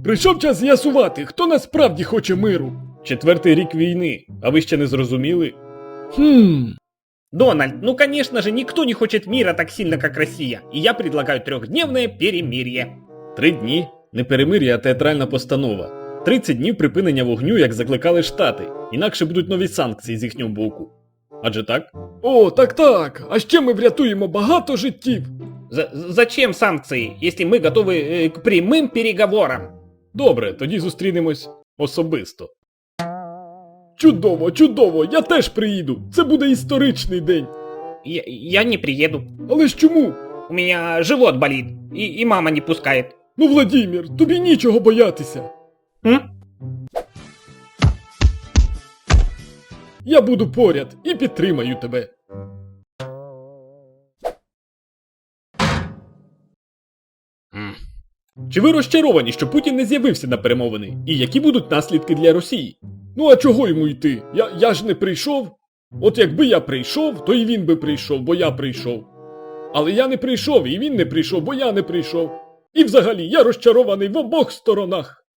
Прийшов час з'ясувати, хто насправді хоче миру. 4-й рік війни, а ви ще не зрозуміли? Дональд, ну конечно же, никто не хочет мира так сильно, как Россия. И я предлагаю 3-дневное перемирие. 3 дні – не перемир'я, а театральна постанова. 30 днів припинення вогню, як закликали Штати. Інакше будуть нові санкції з їхнього боку. Адже так? О, так. А ще ми врятуємо багато життів. Зачем санкции, если мы готовы к прямым переговорам? Добре, тоді зустрінемось особисто. Чудово, я теж приїду. Це буде історичний день. Я не приеду. Але ж чому? У меня живот болит, и мама не пускает. Ну, Владімір, тобі нічого боятися. Я буду поряд і підтримаю тебе. Чи ви розчаровані, що Путін не з'явився на перемовини? І які будуть наслідки для Росії? Ну а чого йому йти? Я ж не прийшов. От якби я прийшов, то і він би прийшов, бо я прийшов. Але я не прийшов, і він не прийшов, бо я не прийшов. І взагалі, я розчарований в обох сторонах.